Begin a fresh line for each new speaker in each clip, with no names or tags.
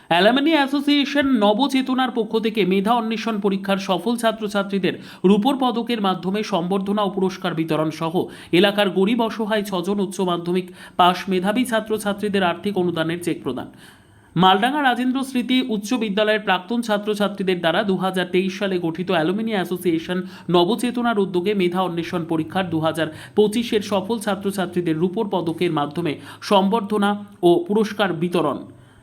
Alumni association নবচেতনার পক্ষ থেকে মেধা অন্বেষণ পরীক্ষার সফল ছাত্রছাত্রীদের রূপোর পদকের মাধ্যমে সম্বর্ধনা ও পুরস্কার বিতরণ সহ এলাকার গরিব অসহায় 6 জন উচ্চ মাধ্যমিক পাশ মেধাবী ছাত্রছাত্রীদের আর্থিক অনুদানের চেক প্রদান। মালডাঙ্গা রাজেন্দ্র স্মৃতি উচ্চ বিদ্যালয়ের প্রাক্তন ছাত্রছাত্রীদের দ্বারা 2023 সালে গঠিত অ্যালুমিনি অ্যাসোসিয়েশন নবচেতনার উদ্যোগে মেধা অন্বেষণ পরীক্ষার 2025-এর সফল ছাত্রছাত্রীদের রূপোর পদকের মাধ্যমে সম্বর্ধনা ও পুরস্কার বিতরণ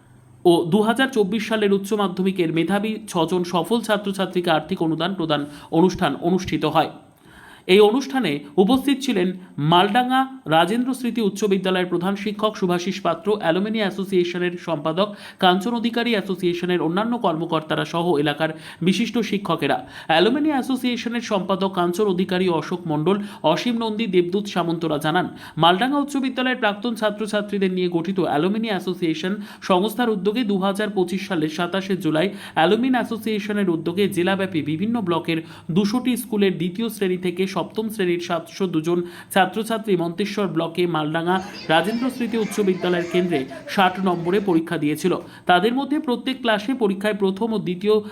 ও 2024 সালের উচ্চ মাধ্যমিকের মেধাবী 6 জন সফল ছাত্রছাত্রীকে আর্থিক অনুদান প্রদান অনুষ্ঠান অনুষ্ঠিত হয়। এই অনুষ্ঠানে উপস্থিত ছিলেন মালডাঙ্গা রাজেন্দ্র স্মৃতি উচ্চ বিদ্যালয়ের প্রধান শিক্ষক শুভাশিস পাত্র, অ্যালুমিনি অ্যাসোসিয়েশনের সম্পাদক কাঞ্চন অধিকারী, অ্যাসোসিয়েশনের অন্যান্য কর্মকর্তারা সহ এলাকার বিশিষ্ট শিক্ষকেরা। অ্যালুমিনি অ্যাসোসিয়েশনের সম্পাদক কাঞ্চন অধিকারী, অশোক মণ্ডল, অসীম নন্দী, দেবদূত সামন্তরা জানান, মালডাঙ্গা উচ্চ বিদ্যালয়ের প্রাক্তন ছাত্রছাত্রীদের নিয়ে গঠিত অ্যালুমিনি অ্যাসোসিয়েশন সংস্থার উদ্যোগে 2025 সালের 27শে জুলাই অ্যালুমিনি অ্যাসোসিয়েশনের উদ্যোগে জেলাব্যাপী বিভিন্ন ব্লকের 200টি স্কুলের দ্বিতীয় শ্রেণী থেকে সপ্তম শ্রেণীর 702 জন ছাত্রছাত্রী মন্তেশ্বর ব্লকে মালডাঙ্গা রাজেন্দ্র স্মৃতি উচ্চ বিদ্যালয়ের কেন্দ্রে 60 নম্বরে পরীক্ষা দিয়েছিল। তাদের মধ্যে প্রত্যেক ক্লাসে পরীক্ষায় প্রথম ও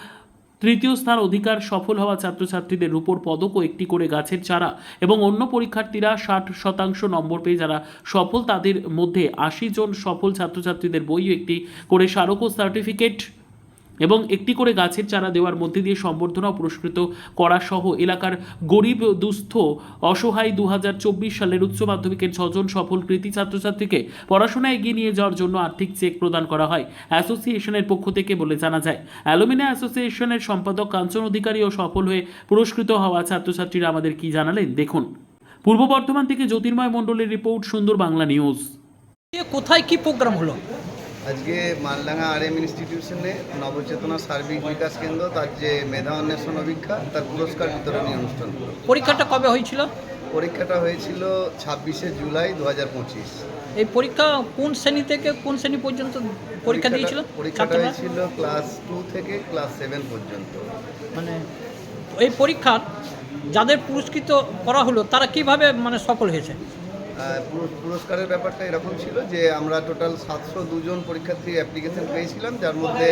তৃতীয় স্থান অধিকার সফল হওয়া ছাত্রছাত্রীদের রূপোর পদক ও একটি করে গাছের চারা এবং অন্য পরীক্ষার্থীরা 60% নম্বর পেয়ে যারা সফল তাদের মধ্যে 80 জন সফল ছাত্রছাত্রীদের বই ও একটি করে স্মারক ও সার্টিফিকেট এবং একটি করে গাছের চারা দেওয়ার মধ্যে দিয়ে সম্বর্ধনা পুরস্কৃত করা সহ এলাকার গরিব দুস্থ অসহায় 2024 সালের উচ্চ মাধ্যমিকের 6 জন সফল কৃতি ছাত্রছাত্রীকে পড়াশোনায় এগিয়ে নিয়ে যাওয়ার জন্য আর্থিক চেক প্রদান করা হয় অ্যাসোসিয়েশনের পক্ষ থেকে বলে জানা যায়। অ্যালুমিনি অ্যাসোসিয়েশনের সম্পাদক কাঞ্চন অধিকারী ও সফল হয়ে পুরস্কৃত হওয়া ছাত্রছাত্রীরা আমাদের কি জানালেন দেখুন। পূর্ব বর্ধমান থেকে জ্যোতির্ময় মণ্ডলের রিপোর্ট, সুন্দর বাংলা নিউজ।
কোথায় কি প্রোগ্রাম হলো?
আজকে মালডাঙ্গা RM ইনস্টিটিউশনে নবচেতনা সার্বিক বিকাশ কেন্দ্র তার যে মেধা অন্বেষণ অভিজ্ঞতা তার পুরস্কার বিতরণী অনুষ্ঠান হলো।
পরীক্ষাটা কবে হয়েছিল?
পরীক্ষাটা হয়েছিল 26শে জুলাই 2025।
এই পরীক্ষা কোন শ্রেণী থেকে কোন শ্রেণী পর্যন্ত পরীক্ষা দিয়েছিল?
পরীক্ষাটা হয়েছিল ক্লাস 2 থেকে ক্লাস 7 পর্যন্ত।
মানে এই পরীক্ষার যাদের পুরস্কৃত করা হলো তারা কিভাবে মানে সফল হয়েছে?
পুরস্কারের ব্যাপারটা এরকম ছিল যে আমরা টোটাল 702 জন পরীক্ষার্থী অ্যাপ্লিকেশন পেয়েছিলাম, যার মধ্যে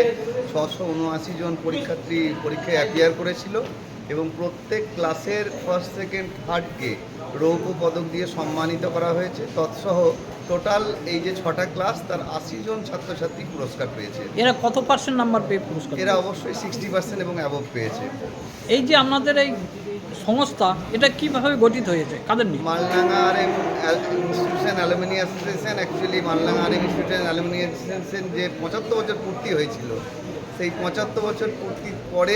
679 জন পরীক্ষার্থী পরীক্ষায় অ্যাপিয়ার করেছিল এবং প্রত্যেক ক্লাসের ফার্স্ট সেকেন্ড থার্ডকে রৌপ্য পদক দিয়ে সম্মানিত করা হয়েছে। তৎসহ টোটাল এই যে 6টা ক্লাস তার 80 জন ছাত্রছাত্রী পুরস্কার পেয়েছে।
এরা কত % নাম্বার পেয়ে পুরস্কার?
এরা অবশ্যই 60% এবং অ্যাবভ পেয়েছে।
এই যে আপনাদের এই সংস্থা এটা কিভাবে গঠিত হয়েছে, কাদের নিয়ে?
Maldanga RM institution alumni association, actually Maldanga RM institution alumni association যে 75 বছর পূর্তি হয়েছিল, সেই 75 বছর পূর্তির পরে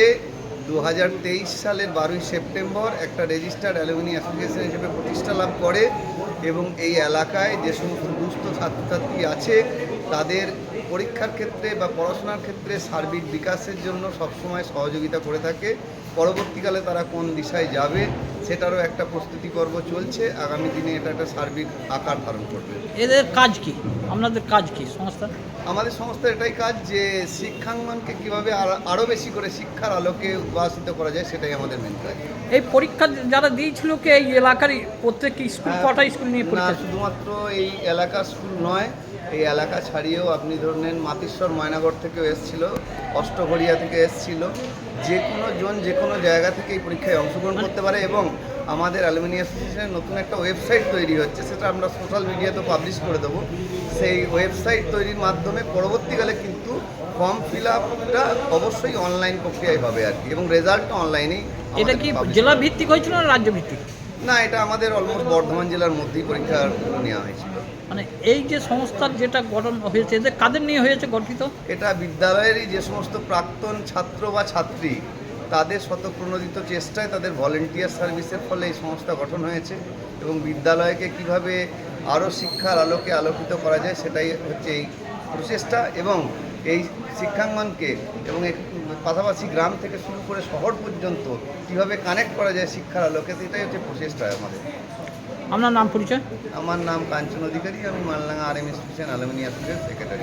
2023 সালের 12ই সেপ্টেম্বর একটা রেজিস্টার্ড অ্যালুমিনি অ্যাসোসিয়েশন হিসেবে প্রতিষ্ঠা লাভ করে এবং এই এলাকায় যে সমস্ত দুস্থ ছাত্রছাত্রী আছে তাদের পরীক্ষার ক্ষেত্রে বা পড়াশোনার ক্ষেত্রে সার্বিক বিকাশের জন্য সবসময় সহযোগিতা করে থাকে। পরবর্তীকালে তারা কোন দিশায় যাবে সেটারও একটা প্রস্তুতি পর্ব চলছে। আগামী দিনে এটা একটা সার্বিক আকার ধারণ করবে।
এদের কাজ কি, আপনাদের কাজ কি সংস্থা?
আমাদের সংস্থার এটাই কাজ যে শিক্ষাঙ্গনকে কীভাবে আরও বেশি করে শিক্ষার আলোকে উদ্ভাসিত করা যায়, সেটাই আমাদের মেন কাজ।
এই পরীক্ষা যারা দিয়েছিল কি এই এলাকার প্রত্যেক স্কুল, কটা স্কুল নিয়ে পরীক্ষা?
শুধুমাত্র এই এলাকার স্কুল নয়, এই এলাকা ছাড়িয়েও আপনি ধরলেন মাতিশ্বর ময়নাগড় থেকেও এসেছিল, অষ্টঘরিয়া থেকে এসেছিল। যে কোনো জন যে কোনো জায়গা থেকে এই পরীক্ষায় অংশগ্রহণ করতে পারে এবং আমাদের অ্যালুমিনি অ্যাসোসিয়েশনের নতুন একটা ওয়েবসাইট তৈরি হচ্ছে, সেটা আমরা সোশ্যাল মিডিয়াতে পাবলিশ করে দেবো। সেই ওয়েবসাইট তৈরির মাধ্যমে পরবর্তীকালে কিন্তু ফর্ম ফিল আপটা অবশ্যই অনলাইন প্রক্রিয়ায় হবে আর কি, এবং রেজাল্টটা অনলাইনেই।
এটা কি জেলা ভিত্তিক হয়েছিল না রাজ্য ভিত্তিক?
না, এটা আমাদের অলমোস্ট বর্ধমান জেলার মধ্যেই পরীক্ষা নেওয়া হয়েছিল।
মানে এই যে সংস্থার যেটা গঠন হয়েছে এদের কাদের নিয়ে হয়েছে গঠিত? এটা
বিদ্যালয়েরই যে সমস্ত প্রাক্তন ছাত্র বা ছাত্রী তাদের স্বতঃপ্রণোদিত চেষ্টায়, তাদের ভলেন্টিয়ার সার্ভিসের ফলে এই সংস্থা গঠন হয়েছে এবং বিদ্যালয়কে কিভাবে আরও শিক্ষার আলোকে আলোকিত করা যায় সেটাই হচ্ছে এই প্রচেষ্টা। এবং এই শিক্ষাঙ্গনকে এবং পাশাপাশি গ্রাম থেকে শুরু করে শহর পর্যন্ত কীভাবে কানেক্ট করা যায় শিক্ষার আলোকে, এটাই হচ্ছে প্রচেষ্টা আমাদের।
আপনার নাম পরিচয়?
আমার নাম কাঞ্চন অধিকারী, আমি Maldanga RM institution alumni association secretary.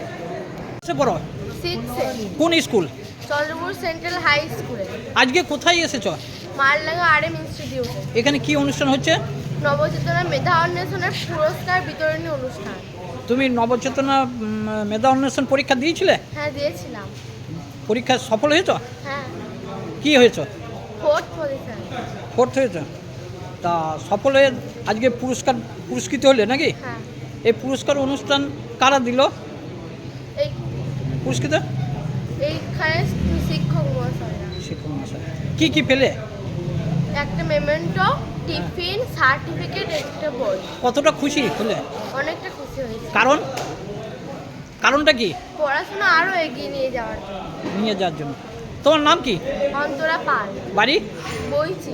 কোন স্কুল?
চন্দ্রপুর সেন্ট্রাল হাই স্কুলে।
আজকে কোথায় এসেছ?
মালডাঙ্গা RM ইনস্টিটিউটে।
এখানে কি অনুষ্ঠান হচ্ছে?
নবচেতনা মেধা অন্বেষণের পুরস্কার বিতরণী অনুষ্ঠান।
তুমি নবচেতনা মেধা অন্বেষণ পরীক্ষা দিয়েছিলে?
হ্যাঁ দিয়েছিলাম।
পরীক্ষায় সফল হয়েছ?
হ্যাঁ
কি হয়েছ?
4th position.
4th হয়েছ। তা সফল হয়ে আজকে পুরস্কৃত হলে নাকি?
হ্যাঁ
এই পুরস্কার অনুষ্ঠান কারা দিল
এই
পুরস্কৃত?
এইখানে শিক্ষক মহাশয়রা
শিক্ষক মহাশয়। কি পেলে?
একটা মেমেন্টো, টিফিন, সার্টিফিকেট, একটা বই।
কতটা খুশি হলে?
অনেকটা খুশি হয়েছে।
কারণটা কি?
পড়াশোনা আরও এগিয়ে নিয়ে যাওয়ার জন্য।
নিয়ে যাওয়ার জন্য। তোমার নাম কি?
অন্তরা পাল,
বাড়ি?
বইচি।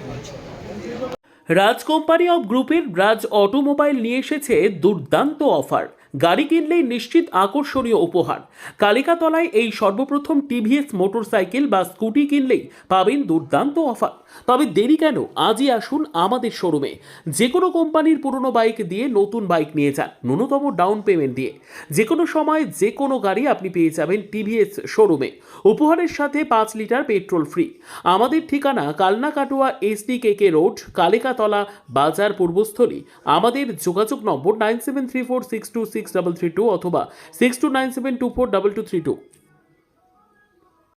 রাজ কোম্পানি অফ গ্রুপের রাজ অটোমোবাইল নিয়ে এসেছে দুর্দান্ত অফার। গাড়ি কিনলেই নিশ্চিত আকর্ষণীয় উপহার। কালিকাতলায় এই সর্বপ্রথম টিভিএস মোটরসাইকেল বা স্কুটি কিনলেই পাবেন দুর্দান্ত অফার। তবে দেরি কেন, আজই আসুন আমাদের শোরুমে। যে কোনো কোম্পানির পুরনো বাইক দিয়ে নতুন বাইক নিয়ে যান ন্যূনতম ডাউন পেমেন্ট দিয়ে। যে কোনো সময় যে কোনো গাড়ি আপনি পেয়ে যাবেন টিভিএস শোরুমে। উপহারের সাথে 5 লিটার পেট্রোল ফ্রি। আমাদের ঠিকানা কালনা কাটোয়া SDKK রোড, কালিকাতলা বাজার পূর্বস্থলী। আমাদের যোগাযোগ নম্বর 9734626332 অথবা 6297242232।